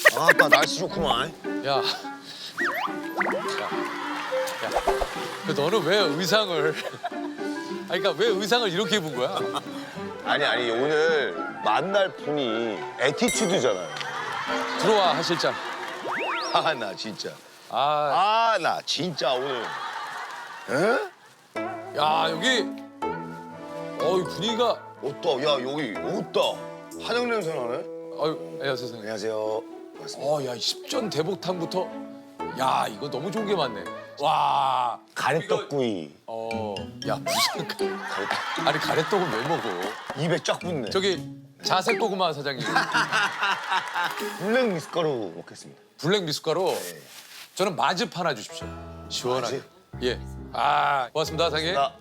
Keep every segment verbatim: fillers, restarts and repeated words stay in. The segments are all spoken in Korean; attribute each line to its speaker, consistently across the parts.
Speaker 1: 아따 날씨 좋구만.
Speaker 2: 야. 야. 야. 그 너는 왜 의상을 아니 그러니까 왜 의상을 이렇게 입은 거야?
Speaker 1: 아니 아니 오늘 만날 분이 에티튜드잖아요.
Speaker 2: 들어와 하 실장.
Speaker 1: 아 나 진짜.
Speaker 2: 아,
Speaker 1: 아 나 진짜 오늘. 에?
Speaker 2: 야 여기 어이 분위기가
Speaker 1: 옷다. 야 여기 옷다. 한약 냄새 나네.
Speaker 2: 어유 야 세상에.
Speaker 1: 안녕하세요. 반갑습니다.
Speaker 2: 어야 십전 대복탕부터 야 이거 너무 좋은 게 많네. 와.
Speaker 1: 가래떡구이.
Speaker 2: 어. 야 무슨 가-
Speaker 1: 가래떡.
Speaker 2: 아니 가래떡은 왜 먹어?
Speaker 1: 입에 쫙 붙네.
Speaker 2: 저기 자색 고구마 사장님.
Speaker 1: 블랙 미숫가루 먹겠습니다.
Speaker 2: 블랙 미숫가루.
Speaker 1: 네.
Speaker 2: 저는 마즙 하나 주십시오. 시원하게.
Speaker 1: 마즙?
Speaker 2: 예. 아 고맙습니다 사장님.
Speaker 1: 나.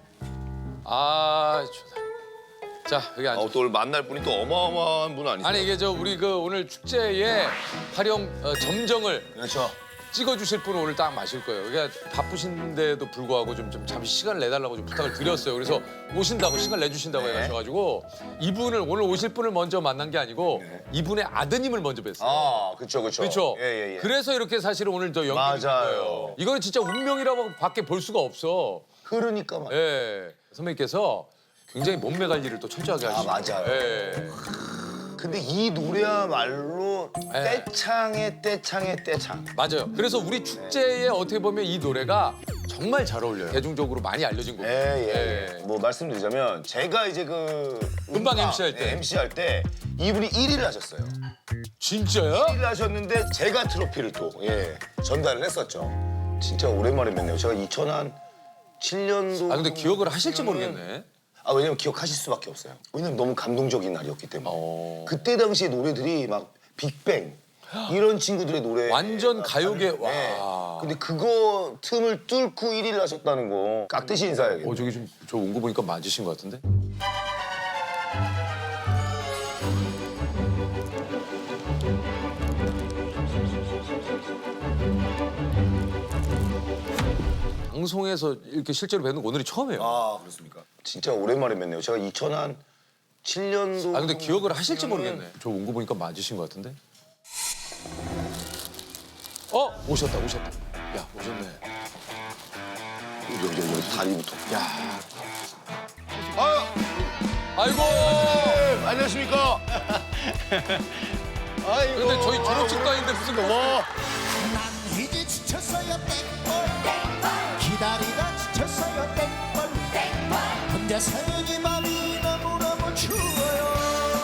Speaker 2: 아 좋다. 자 여기 앉아.
Speaker 1: 아, 또 오늘 만날 분이 또 어마어마한 분 아니세요?
Speaker 2: 아니 이게 저 우리 그 오늘 축제에 활용 어, 점정을
Speaker 1: 그렇죠.
Speaker 2: 찍어주실 분은 오늘 딱 마실 거예요. 그러니까 바쁘신데도 불구하고 좀, 좀 잠시 시간 내달라고 좀 부탁을 드렸어요. 그래서 오신다고 시간 내주신다고
Speaker 1: 네.
Speaker 2: 해가지고 이분을 오늘 오실 분을 먼저 만난 게 아니고
Speaker 1: 네.
Speaker 2: 이분의 아드님을 먼저 뵀어요.
Speaker 1: 아 그렇죠 그렇죠.
Speaker 2: 그렇죠.
Speaker 1: 예예 예.
Speaker 2: 그래서 이렇게 사실은 오늘 저 연기를
Speaker 1: 맞아요.
Speaker 2: 한 거예요. 이거는 진짜 운명이라고 밖에 볼 수가 없어.
Speaker 1: 흐르니까 막.
Speaker 2: 예. 선배님께서 굉장히 몸매 관리를 또 철저하게
Speaker 1: 아,
Speaker 2: 하시죠.
Speaker 1: 맞아요.
Speaker 2: 예.
Speaker 1: 근데 이 노래야말로
Speaker 2: 네.
Speaker 1: 떼창의 떼창의 떼창.
Speaker 2: 맞아요. 그래서 우리 축제에 어떻게 보면 이 노래가 정말 잘 어울려요. 대중적으로 많이 알려진 곡이에요.
Speaker 1: 예예.
Speaker 2: 예.
Speaker 1: 예. 뭐 말씀드리자면 제가 이제 그
Speaker 2: 음방
Speaker 1: 음악,
Speaker 2: 엠씨 할 때.
Speaker 1: 예, 엠씨 할 때 이분이 일 위를 하셨어요.
Speaker 2: 진짜요?
Speaker 1: 일 위를 하셨는데 제가 트로피를 또 예, 전달을 했었죠. 진짜 오랜만에 뵙네요. 제가 이천칠 년도.
Speaker 2: 아 근데 기억을 하실지 모르겠네.
Speaker 1: 아 왜냐면 기억하실 수밖에 없어요. 왜냐면 너무 감동적인 날이었기 때문에.
Speaker 2: 어.
Speaker 1: 그때 당시에 노래들이 막 빅뱅 이런 친구들의 노래
Speaker 2: 완전 가요계 와.
Speaker 1: 네. 근데 그거 틈을 뚫고 일 위를 하셨다는 거 깍듯이 인사해야겠네.
Speaker 2: 어 저기 좀 저 온 거 보니까 맞으신 것 같은데? 방송에서 이렇게 실제로 뵙는 거 오늘이 처음이에요.
Speaker 1: 아 그렇습니까? 진짜 오랜만에 뵙네요. 제가 이천칠 년도.
Speaker 2: 아 근데 기억을 하실지 모르겠네. 저 온 거 보니까 맞으신 것 같은데? 어 오셨다 오셨다. 야 오셨네.
Speaker 1: 여기 여기 여기 다리부터.
Speaker 2: 야
Speaker 1: 아
Speaker 2: 아이고.
Speaker 1: 네, 안녕하십니까? 아이고.
Speaker 2: 근데 저희 졸업식도 아닌데 무슨 뭐?
Speaker 3: 난 이제 지쳤어요 땡벌 기다리다 지쳤어요 땡벌 혼자 사는 이 맘이 너무너무 추워요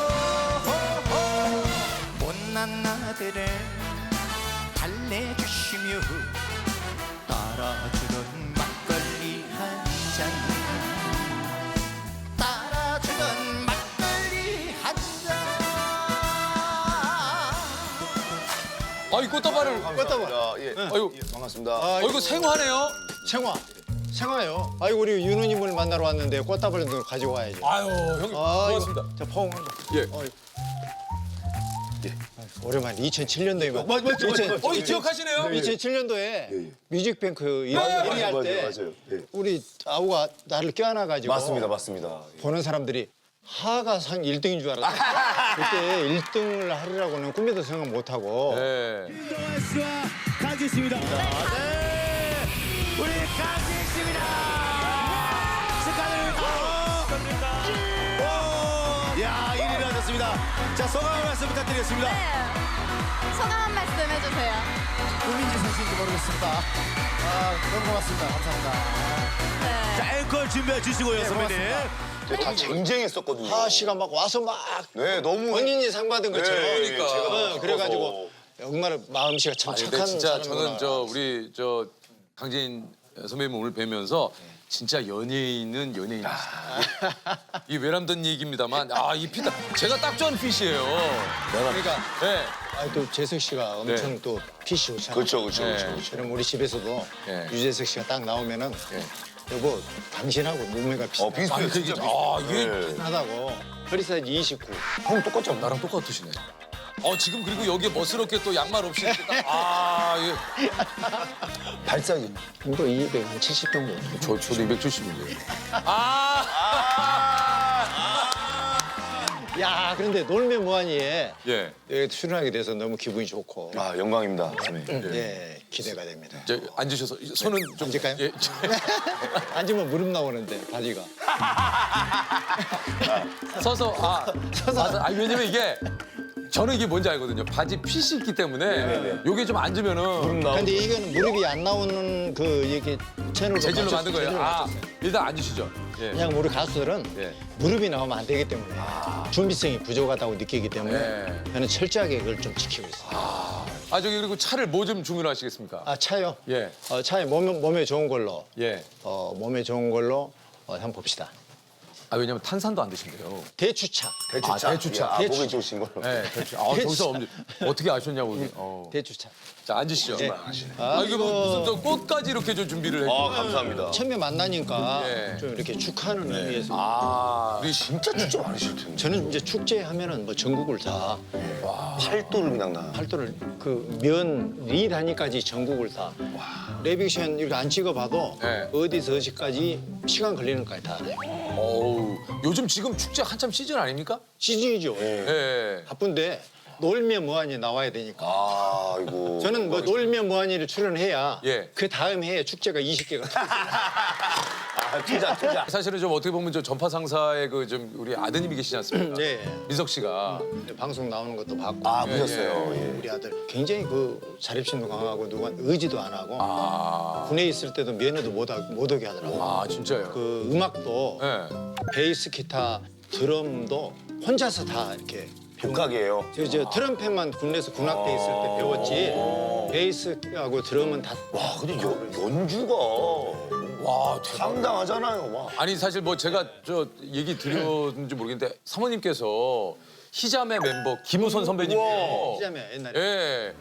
Speaker 3: 못난 나들을 달래주시며 따라주는 막걸리 한잔 따라주는 막걸리 한잔
Speaker 2: 아이 꽃다발을.
Speaker 1: 꽃다발. 예.
Speaker 2: 아이고.
Speaker 1: 예, 반갑습니다.
Speaker 2: 어 이거 생화네요.
Speaker 4: 생화. 생화요. 아이고 우리 윤우님을 만나러 왔는데 꽃다발을 가지고 와야죠.
Speaker 2: 아유 형님 고맙습니다.
Speaker 4: 자 포옹.
Speaker 2: 예.
Speaker 4: 어이. 오랜만에 이천칠 년도에 만.
Speaker 1: 맞- 맞죠, 맞죠, 맞죠.
Speaker 2: 어, 이 기억하시네요?
Speaker 4: 이천칠 년도에
Speaker 1: 예.
Speaker 4: 뮤직뱅크 일 위
Speaker 1: 맞아요,
Speaker 4: 할
Speaker 1: 맞아요,
Speaker 4: 때
Speaker 1: 맞아요. 예.
Speaker 4: 우리 아우가 나를 껴안아가지고
Speaker 1: 맞습니다, 맞습니다.
Speaker 4: 보는 사람들이 하가 상 일 등인 줄 알았다. 그때 일 등을 하리라고는 꿈에도 생각 못하고
Speaker 2: 네.
Speaker 3: 강지 씨입니다. 네, 우리 강지 씨입니다. 축하드립니다. 야, 일 위를 하셨습니다. 자, 소감 한 말씀 부탁드리겠습니다.
Speaker 5: 네. 소감 한 말씀 해주세요.
Speaker 3: 국민지 선수인지 모르겠습니다. 아, 너무 고맙습니다. 감사합니다.
Speaker 5: 네.
Speaker 3: 자, 앵콜 준비해 주시고요, 선배님.
Speaker 1: 근데 다 쟁쟁했었거든요.
Speaker 4: 하 씨가 막 와서 막
Speaker 1: 네, 너무.
Speaker 4: 본인이 상 받은 것처럼
Speaker 1: 네,
Speaker 2: 그러니까.
Speaker 1: 제가
Speaker 4: 어,
Speaker 1: 너무
Speaker 4: 그래가지고 정말 마음씨가 참
Speaker 2: 아니,
Speaker 4: 착한
Speaker 2: 근데 진짜
Speaker 4: 사람이구나.
Speaker 2: 저는 저 우리 저 강진 선배님 오늘 뵈면서 진짜 연예인은 연예인이시다. 이 외람된 얘기입니다만 아 이 피다 제가 딱 좋아하는 핏이에요.
Speaker 4: 그러니까
Speaker 2: 네.
Speaker 4: 아, 또 재석 씨가 엄청
Speaker 2: 네.
Speaker 4: 또 핏이 좋잖아요.
Speaker 1: 그렇죠, 그렇죠,
Speaker 2: 네.
Speaker 1: 그렇죠, 그렇죠.
Speaker 4: 그럼 우리 집에서도
Speaker 2: 네.
Speaker 4: 유재석 씨가 딱 나오면은
Speaker 2: 네.
Speaker 4: 여보 당신하고 몸매가 비슷해.
Speaker 1: 어, 비슷해요.
Speaker 2: 아니, 그게
Speaker 1: 진짜
Speaker 2: 아,
Speaker 1: 비슷해요.
Speaker 2: 이게-
Speaker 1: 네.
Speaker 4: 비슷하다고. 허리 사이즈 이십구.
Speaker 1: 형 똑같지 않나?
Speaker 2: 나랑 똑같으시네. 어 지금 그리고 여기에 멋스럽게 또 양말 없이 이렇게 딱, 아 이게
Speaker 1: 발 사이즈.
Speaker 4: 뭐 이백칠십 정도.
Speaker 2: 저 저도 이백칠십인데. 아.
Speaker 4: 야, 그런데 놀면 뭐하니에
Speaker 2: 예.
Speaker 4: 예, 출연하게 돼서 너무 기분이 좋고
Speaker 1: 아 영광입니다. 선배님.
Speaker 4: 예, 기대가 됩니다.
Speaker 2: 저 앉으셔서 손은 좀
Speaker 4: 앉을까요?
Speaker 2: 예.
Speaker 4: 앉으면 무릎 나오는데 바지가.
Speaker 2: 서서 아 서서 아 왜냐면 이게 저는 이게 뭔지 알거든요. 바지 핏이 있기 때문에 요게 좀 앉으면은
Speaker 4: 근데 이거는 무릎이 안 나오는 그 이렇게 채널로
Speaker 2: 재질로
Speaker 4: 맞췄-
Speaker 2: 만든 거예요.
Speaker 4: 재질로
Speaker 2: 아
Speaker 4: 맞췄어요.
Speaker 2: 일단 앉으시죠. 예.
Speaker 4: 그냥 우리 가수들은
Speaker 2: 예.
Speaker 4: 무릎이 나오면 안 되기 때문에 준비성이 부족하다고 느끼기 때문에
Speaker 2: 예.
Speaker 4: 저는 철저하게 그걸 좀 지키고 있어요.
Speaker 2: 아 저기 그리고 차를 뭐 좀 주문하시겠습니까?
Speaker 4: 아 차요?
Speaker 2: 예.
Speaker 4: 어, 차에 몸에, 몸에 좋은 걸로
Speaker 2: 예.
Speaker 4: 어, 몸에 좋은 걸로 어, 한번 봅시다.
Speaker 2: 아 왜냐면 탄산도 안 드신대요.
Speaker 4: 대추차.
Speaker 1: 대추차.
Speaker 2: 아, 대추차.
Speaker 1: 아,
Speaker 4: 대추.
Speaker 1: 목이 좋으신 걸로.
Speaker 2: 네, 그렇죠. 아, 저기서 엄지- 어떻게 아셨냐고. 이게. 어.
Speaker 4: 대추차.
Speaker 2: 자, 앉으시죠.
Speaker 4: 네.
Speaker 2: 아, 이게 뭐 무슨 또 꽃까지 이렇게 좀 준비를 해.
Speaker 1: 아 감사합니다.
Speaker 4: 처음에 만나니까
Speaker 2: 예.
Speaker 4: 좀 이렇게 축하하는 의미에서
Speaker 2: 아,
Speaker 1: 우리 진짜 축제 많으실 텐데.
Speaker 4: 저는 이제 축제 하면은 뭐 전국을 다
Speaker 1: 팔도를 그냥 나.
Speaker 4: 팔도를 그 면리 단위까지 전국을 다 레비션 이렇게 안 찍어봐도
Speaker 2: 네.
Speaker 4: 어디서 어디까지 시간 걸리는 까지 다 알아요.
Speaker 2: 어우. 요즘 지금 축제 한참 시즌 아닙니까?
Speaker 4: 시즌이죠.
Speaker 2: 예.
Speaker 4: 바쁜데 놀면 뭐하니 나와야 되니까.
Speaker 1: 아 이거.
Speaker 4: 저는 뭐 놀면 뭐하니를 출연해야
Speaker 2: 예.
Speaker 4: 그 다음 해에 축제가 이십 개가
Speaker 1: 아 투자 투자.
Speaker 2: 사실은 좀 어떻게 보면 저 전파 상사의 그 좀 우리 아드님이 계시지 않습니까?
Speaker 4: 네.
Speaker 2: 민석 씨가.
Speaker 4: 방송 나오는 것도 봤고
Speaker 1: 아 보셨어요. 예.
Speaker 4: 우리 아들 굉장히 그 자립심도 강하고 누가 의지도 안 하고
Speaker 2: 아,
Speaker 4: 군에 있을 때도 면회도 못, 하, 못 오게 하더라고.
Speaker 2: 아 진짜요?
Speaker 4: 그 음악도
Speaker 2: 예.
Speaker 4: 베이스, 기타, 드럼도 혼자서 다 이렇게
Speaker 1: 독학이에요.
Speaker 4: 저, 저 트럼펫만 군에서 군악대 있을 때 배웠지 베이스하고 드럼은 다
Speaker 1: 와 근데 연, 연주가
Speaker 2: 와, 대박.
Speaker 1: 상당하잖아요. 와.
Speaker 2: 아니 사실 뭐 제가 저 얘기 드렸는지 모르겠는데 사모님께서 희자매 멤버 김우선 선배님이에요.
Speaker 4: 시작하면 옛날에
Speaker 2: 예.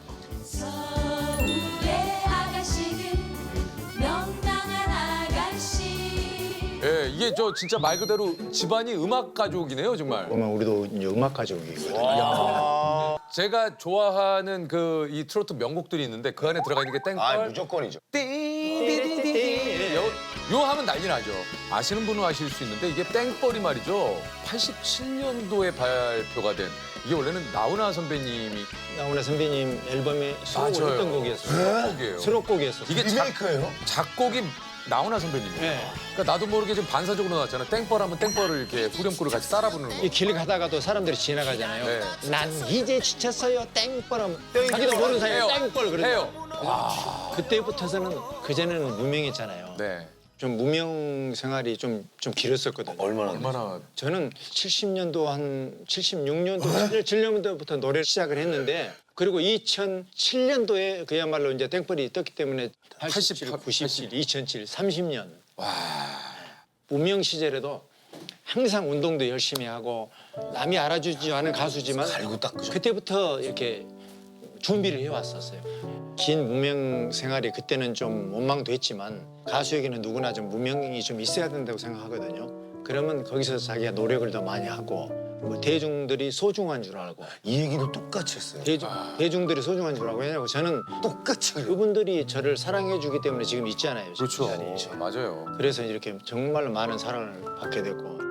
Speaker 6: 서울의 아가씨는 명랑한 아가씨
Speaker 2: 예, 이게 저 진짜 말 그대로 집안이 음악 가족이네요, 정말.
Speaker 4: 보면 우리도 이제 음악 가족이거든요.
Speaker 2: 제가 좋아하는 그 이 트로트 명곡들이 있는데 그 안에 들어가 있는 게 땡벌.
Speaker 1: 아 무조건이죠.
Speaker 2: 띠디디디디. 요, 요 하면 난리 나죠. 아시는 분은 아실 수 있는데 이게 땡벌이 말이죠. 팔십칠 년도에 발표가 된 이게 원래는 나훈아 선배님이
Speaker 4: 나훈아 선배님 앨범에 수록을
Speaker 2: 맞아요.
Speaker 4: 했던 곡이었어요.
Speaker 2: 곡이에요.
Speaker 4: 수록곡이었어요.
Speaker 2: 이게 작,
Speaker 1: 리메이크예요?
Speaker 2: 작곡이 나훈아 선배님이에요.
Speaker 4: 네.
Speaker 2: 그러니까 나도 모르게 좀 반사적으로 나왔잖아. 땡벌 하면 땡벌을 이렇게 후렴구를 같이 따라 부르는 거.
Speaker 4: 이 길 가다가도 사람들이 지나가잖아요.
Speaker 2: 네.
Speaker 4: 난 이제 지쳤어요. 땡벌하면 자기도 모르는 사이에
Speaker 2: 해요.
Speaker 4: 땡벌 그러죠.
Speaker 2: 해요.
Speaker 4: 그때부터서는 그전에는 무명했잖아요.
Speaker 2: 네.
Speaker 4: 좀 무명 생활이 좀 좀 길었었거든요.
Speaker 1: 얼마나?
Speaker 2: 얼마나
Speaker 4: 저는 칠십 년도 한 칠십육 년도, 칠 년도부터 노래를 시작을 했는데 그리고 이천칠 년도에 그야말로 이제 땡벌이 떴기 때문에 팔십칠,
Speaker 2: 팔십팔,
Speaker 4: 구십칠, 이천칠, 삼십 년. 무명 시절에도 항상 운동도 열심히 하고 남이 알아주지 않은 가수지만
Speaker 1: 갈고 닦으죠.
Speaker 4: 그때부터 이렇게 준비를 해왔었어요. 긴 무명 생활이 그때는 좀 원망도 했지만 가수에게는 누구나 좀 무명이 좀 있어야 된다고 생각하거든요. 그러면 거기서 자기가 노력을 더 많이 하고 뭐 대중들이 소중한 줄 알고
Speaker 1: 이 얘기도 똑같이 했어요.
Speaker 4: 대중, 대중들이 소중한 줄 알고 왜냐면 저는
Speaker 1: 똑같이.
Speaker 4: 그분들이 저를 사랑해 주기 때문에 지금 있잖아요. 지금
Speaker 2: 그렇죠.
Speaker 4: 이 자리에.
Speaker 2: 맞아요.
Speaker 4: 그래서 이렇게 정말로 많은 사랑을 받게 됐고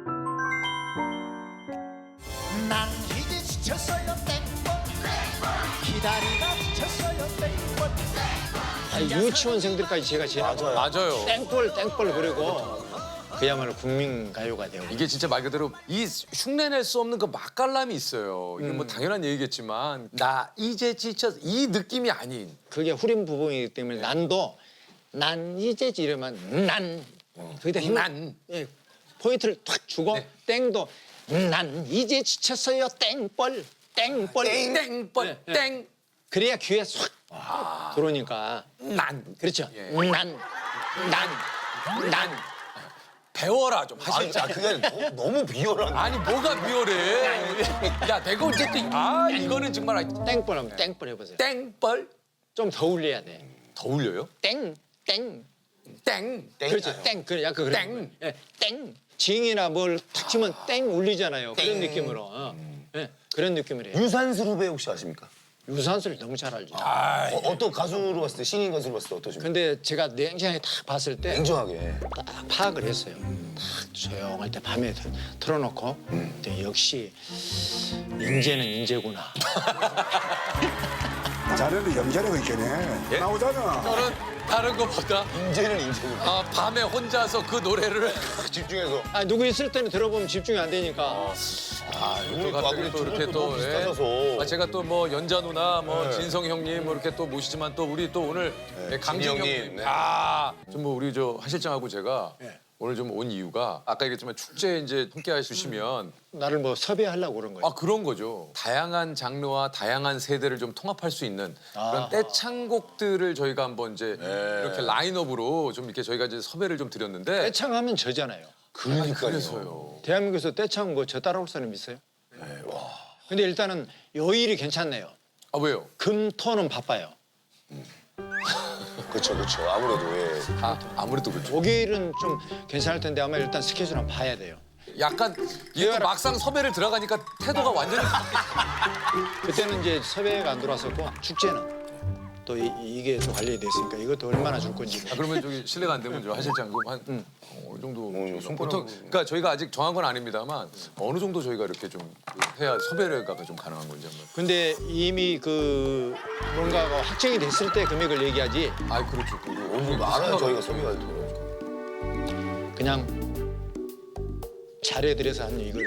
Speaker 7: 난 이제 지쳤어요 땡벌 기다리다 지쳤어요 땡벌
Speaker 4: 아니, 유치원생들까지 제가 지나고
Speaker 2: 맞아요.
Speaker 4: 땡벌 땡벌 그리고 그야말로 국민 가요가 되고
Speaker 2: 이게 진짜 말 그대로 이 흉내낼 수 없는 그 맛깔남이 있어요. 이게 뭐 당연한 얘기겠지만 나 이제 지쳐 이 느낌이 아닌.
Speaker 4: 그게 후렴 부분이기 때문에 난도 난 이제 이러면 난 거기다 힘
Speaker 2: 난.
Speaker 4: 예, 포인트를 탁 주고
Speaker 2: 네.
Speaker 4: 땡도 난 이제 지쳤어요 땡벌 땡벌
Speaker 2: 땡벌
Speaker 4: 네, 네.
Speaker 2: 땡.
Speaker 4: 그래야 귀에 쏙 들어오니까
Speaker 2: 난.
Speaker 4: 그렇죠
Speaker 2: 예.
Speaker 4: 난
Speaker 2: 난. 난. 배워라 좀
Speaker 1: 아니,
Speaker 2: 하실
Speaker 1: 아, 그게 너무, 너무 비열한.
Speaker 2: 아니 뭐가 비열해. 야 내가 어쨌든 아 이거는 정말 아,
Speaker 4: 땡벌 하면 땡벌 해보세요.
Speaker 2: 땡벌
Speaker 4: 좀 더 울려야 돼.
Speaker 2: 더 울려요?
Speaker 4: 땡, 땡.
Speaker 2: 땡.
Speaker 4: 그렇죠. 땡. 그래, 약간 그래.
Speaker 2: 땡.
Speaker 4: 예, 땡. 징이나 뭘 탁 치면 땡 울리잖아요. 그런 느낌으로. 어. 예, 그런 느낌을 해요.
Speaker 1: 유산슬 후배 혹시 아십니까?
Speaker 4: 유산소를 너무 잘 알죠.
Speaker 1: 어, 어떤 가수로 봤을 때 신인 가수로 봤을 때 어떠십니까?
Speaker 4: 근데 제가 냉정하게 딱 봤을 때
Speaker 1: 냉정하게.
Speaker 4: 딱 파악을 했어요. 딱 조용할 때 밤에 틀- 틀어놓고 근데 역시 인재는 인재구나.
Speaker 8: 자네도 연기하는 있겠네. 나오잖아.
Speaker 2: 저는 다른 것보다
Speaker 1: 인재는 인재는.
Speaker 2: 아, 밤에 혼자서 그 노래를
Speaker 1: 집중해서.
Speaker 4: 아 누구 있을 때는 들어보면 집중이 안 되니까.
Speaker 2: 아,
Speaker 1: 오늘
Speaker 2: 또 갑자기
Speaker 1: 또
Speaker 2: 또
Speaker 1: 두
Speaker 2: 이렇게
Speaker 1: 분도
Speaker 2: 또
Speaker 1: 너무 비슷하셔서.
Speaker 2: 아, 제가 또 뭐 연자 누나, 뭐
Speaker 1: 네.
Speaker 2: 진성 형님 뭐 이렇게 또 모시지만 또 우리 또 오늘
Speaker 1: 네,
Speaker 2: 강진
Speaker 1: 진희
Speaker 2: 형님,
Speaker 1: 형님, 네.
Speaker 2: 아, 좀 뭐 우리 저 하실장하고 제가
Speaker 4: 네.
Speaker 2: 오늘 좀 온 이유가 아까 얘기했지만 축제에 이제 함께 해주시면
Speaker 4: 나를 뭐 섭외하려고 그런 거예요.
Speaker 2: 아 그런 거죠. 다양한 장르와 다양한 세대를 좀 통합할 수 있는 그런
Speaker 4: 아.
Speaker 2: 떼창곡들을 저희가 한번 이제
Speaker 1: 네.
Speaker 2: 이렇게 라인업으로 좀 이렇게 저희가 이제 섭외를 좀 드렸는데
Speaker 4: 떼창하면 저잖아요.
Speaker 1: 그러니까요.
Speaker 2: 그래서요.
Speaker 4: 대한민국에서 떼창 뭐 저 따라올 사람 있어요? 근데 일단은 요일이 괜찮네요.
Speaker 2: 아 왜요?
Speaker 4: 금, 토는 바빠요.
Speaker 1: 그렇죠, 그렇죠. 아무래도 예.
Speaker 2: 아 아무래도 그렇죠.
Speaker 4: 목요일은 좀 괜찮을 텐데 아마 일단 스케줄 한번 봐야 돼요.
Speaker 2: 약간 이게 또 막상 섭외를 들어가니까 태도가 완전히
Speaker 4: 그때는 이제 섭외가 안 들어왔었고 축제는 또 이, 이게 또 관리돼 있으니까 이것도 얼마나 줄 건지.
Speaker 2: 아, 그러면 저기 실례가 안 되면 저 하실장 그럼 한
Speaker 4: 응.
Speaker 2: 어, 어느 정도
Speaker 1: 어, 손가락-
Speaker 2: 보통 그러니까 저희가 아직 정한 건 아닙니다만 어느 정도 저희가 이렇게 좀 해야 섭외가 좀 가능한 건지 한번.
Speaker 4: 근데 이미 그 뭔가가 확정이 됐을 때 금액을 얘기하지
Speaker 2: 아 그렇죠. 그
Speaker 1: 어느 정도 알아야 저희가 소비가 되더라고요.
Speaker 4: 그냥 잘해드려서 한 이걸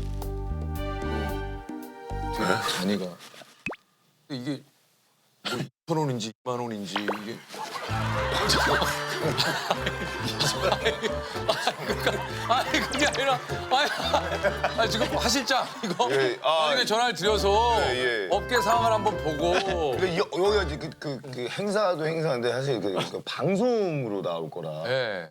Speaker 2: 잔이가 이게 뭐 이천 원인지 이만 원인지 이게 아니 그게 아니라 아니, 아니 지금 하실장 이거
Speaker 1: 예, 아,
Speaker 2: 나중에 전화를 드려서
Speaker 1: 예, 예.
Speaker 2: 업계 상황을 한번 보고
Speaker 1: 근데 여, 여기가 이제 그, 그, 그 행사도 행사인데 사실 그, 그 방송으로 나올 거라.
Speaker 2: 예.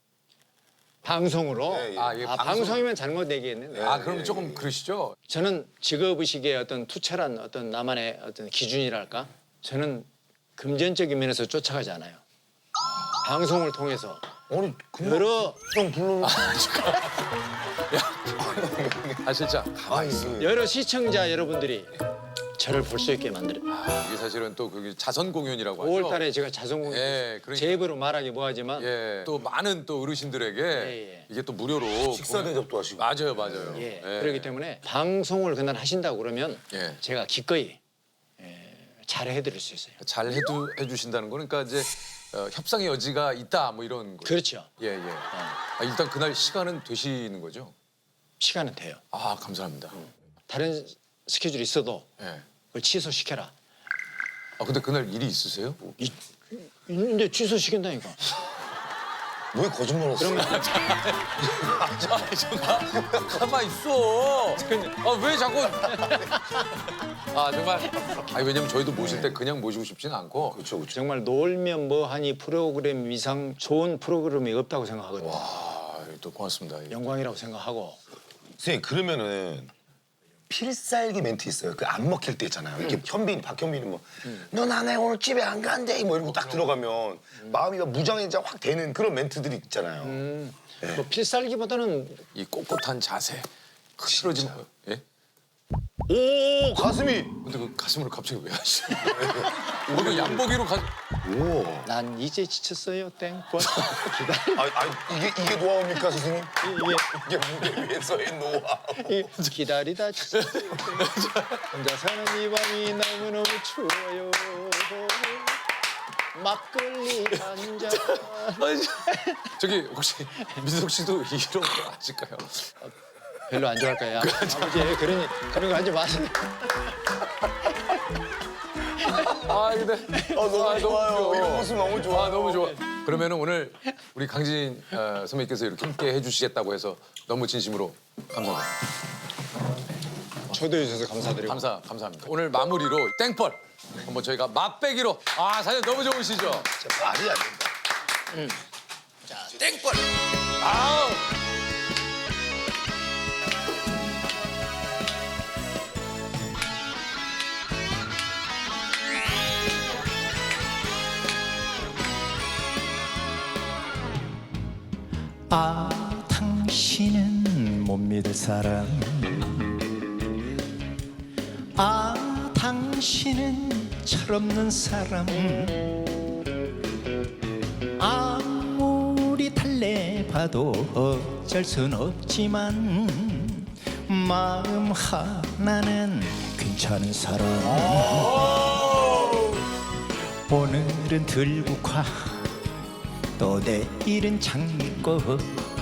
Speaker 4: 방송으로
Speaker 1: 예, 예.
Speaker 2: 아, 예,
Speaker 4: 아,
Speaker 2: 방송.
Speaker 4: 방송이면 잘못 얘기했네.
Speaker 2: 아 그럼 조금 그러시죠?
Speaker 4: 저는 직업의식의 어떤 투철한 어떤 나만의 어떤 기준이랄까? 저는 금전적인 면에서 쫓아가지 않아요. 방송을 통해서
Speaker 1: 아니, 그냥
Speaker 4: 여러
Speaker 1: 좀 불러.
Speaker 2: 하실장
Speaker 1: 가만히 있어.
Speaker 4: 여러 시청자 여러분들이 저를 볼 수 있게 만들어.
Speaker 2: 이게 사실은 또 그게 자선 공연이라고 하죠.
Speaker 4: 오월달에 제가 자성공연
Speaker 2: 예, 그러니까.
Speaker 4: 제 입으로 말하기 뭐하지만
Speaker 2: 예, 또 많은 또 어르신들에게
Speaker 4: 예.
Speaker 2: 이게 또 무료로
Speaker 1: 식사
Speaker 2: 공연-
Speaker 1: 대접도 하시고.
Speaker 2: 맞아요, 맞아요.
Speaker 4: 예, 그렇기 때문에 방송을 그날 하신다고 그러면
Speaker 2: 예.
Speaker 4: 제가 기꺼이 예, 잘 해드릴 수 있어요.
Speaker 2: 잘 해두, 해주신다는 거는 그러니까 이제 어, 협상의 여지가 있다 뭐 이런 거.
Speaker 4: 그렇죠.
Speaker 2: 예, 예. 아, 일단 그날 시간은 되시는 거죠?
Speaker 4: 시간은 돼요.
Speaker 2: 아, 감사합니다.
Speaker 4: 다른 스케줄이 있어도
Speaker 2: 예.
Speaker 4: 그걸 취소시켜라.
Speaker 2: 아, 근데 그날 일이 있으세요?
Speaker 4: 이, 있는데 취소시킨다니까.
Speaker 1: 왜 거짓말 했어?
Speaker 2: 아, 정말 가만 있어. 아, 왜 자꾸? 아, 정말. 아, 왜냐면 저희도 모실 때 그냥 모시고 싶지는 않고.
Speaker 1: 그렇죠, 그렇죠.
Speaker 4: 정말 놀면 뭐하니 프로그램 이상 좋은 프로그램이 없다고 생각하거든요.
Speaker 2: 아, 또 고맙습니다. 예.
Speaker 4: 영광이라고 생각하고.
Speaker 1: 선생님 그러면은 필살기 멘트 있어요. 그 안 먹힐 때 있잖아요. 이렇게 현빈, 박현빈이 뭐, 너 나네 오늘 집에 안 간대 뭐 이러고 딱 들어가면 마음이 막 무장해자 확 되는 그런 멘트들이 있잖아요.
Speaker 4: 뭐 필살기보다는
Speaker 2: 이 꼿꼿한 자세. 흐트러지 마. 예?
Speaker 1: 오 가슴이.
Speaker 2: 근데 그 가슴을 갑자기 왜 하시죠? 오늘 양보기로 가.
Speaker 1: 오.
Speaker 4: 난 이제 지쳤어요 땡벌 기다려.
Speaker 1: 아, 아 이게 이게 노하우입니까 선생님?
Speaker 4: 이게
Speaker 1: 이게 무대 위에서의 노하우.
Speaker 4: 이 기다리다 지쳤어요 땡벌. 혼자 사는 이 밤이 너무너무 추워요. 막걸리 한잔.
Speaker 2: 아니, 저기 혹시 민석 씨도 이런 거 아실까요?
Speaker 4: 별로 안 좋아할 거야. 아버지 그런 그런 거 하지 마세요.
Speaker 2: 아 근데
Speaker 1: 아 너무 좋아요.
Speaker 2: 귀여워.
Speaker 1: 이런 모습 너무 좋아.
Speaker 2: 아 너무 좋아. 그러면은 오늘 우리 강진 어, 선배님께서 이렇게 함께 해주시겠다고 해서 너무 진심으로 감사합니다.
Speaker 4: 초대해 주셔서 감사드리고.
Speaker 2: 감사 감사합니다. 오늘 마무리로 땡벌 한번 저희가 맛배기로 아 사실 너무 좋으시죠?
Speaker 1: 진짜 말이 안 된다.
Speaker 2: 땡벌. 아우.
Speaker 7: 아 당신은 못 믿을 사람 아 당신 당신은 철없는 사람 아무리 달래봐도 어쩔 순 없지만 마음 하나는 괜찮은 사람 오늘은 들국화 또 내일은 장미꽃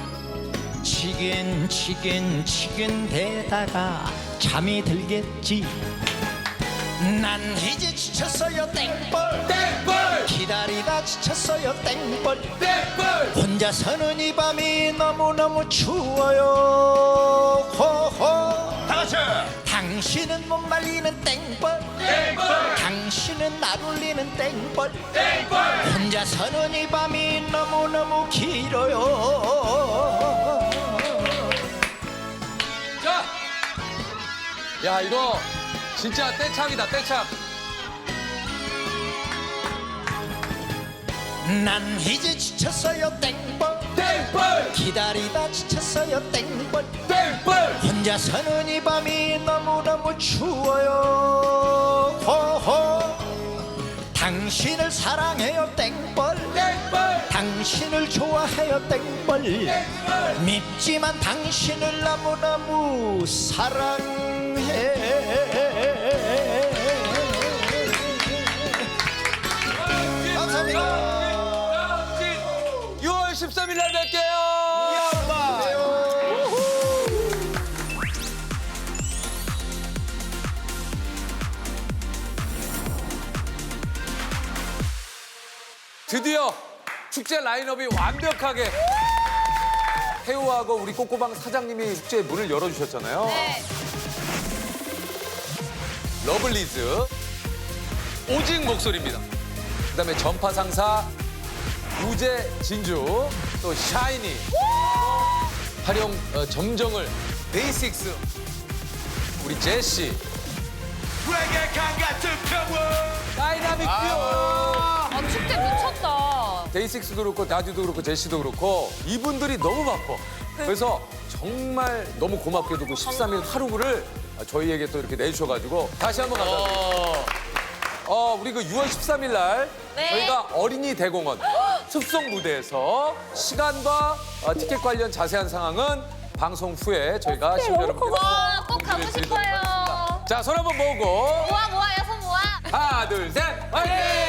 Speaker 7: 치긴 치긴 치긴 대다가 잠이 들겠지 난 이제 지쳤어요 땡벌 땡벌 기다리다 지쳤어요 땡벌 땡벌 혼자 서는 이 밤이 너무너무 추워요 호호 다같이 당신은 못 말리는 땡벌 땡벌 당신은 날 울리는 땡벌 땡벌 혼자 서는 이 밤이 너무너무 길어요
Speaker 2: 자, 야 이거 진짜 떼창이다 떼창.
Speaker 7: 난 이제 지쳤어요 땡벌
Speaker 2: 땡벌
Speaker 7: 기다리다 지쳤어요 땡벌
Speaker 2: 땡벌
Speaker 7: 혼자 서는 이 밤이 너무너무 추워요 호호 당신을 사랑해요 땡벌
Speaker 2: 땡벌
Speaker 7: 당신을 좋아해요 땡벌 밉지만 당신을 너무너무 사랑해 감사합니다
Speaker 2: 유월 십삼일 날 뵐게요. 드디어 축제 라인업이 완벽하게 태우하고 우리 꼬꼬방 사장님이 축제의 문을 열어주셨잖아요.
Speaker 5: 네.
Speaker 2: 러블리즈 오직 목소리입니다. 그다음에 전파상사 우재 진주 또 샤이니 활용 어, 점정을 데이식스 우리 제시 다이나믹 듀오
Speaker 5: 아, 축제 미쳤다.
Speaker 2: 데이식스도 그렇고 다듀도 그렇고 제시도 그렇고 이분들이 너무 바빠. 그래서 정말 너무 고맙게도 그 십삼 일 하루를 저희에게 또 이렇게 내주셔가지고 다시 한번 감사드립니다. 어, 우리 그 유월 십삼일 날
Speaker 5: 네.
Speaker 2: 저희가 어린이 대공원 숲속 무대에서 시간과 어, 티켓 관련 자세한 상황은 방송 후에 저희가 시청자 여러분께
Speaker 5: 와, 꼭 가고
Speaker 2: 공지를 드리도록
Speaker 5: 싶어요.
Speaker 2: 하겠습니다. 자, 손 한번 모으고
Speaker 5: 모아 모아요, 손 모아.
Speaker 2: 하나, 둘, 셋, 화이팅!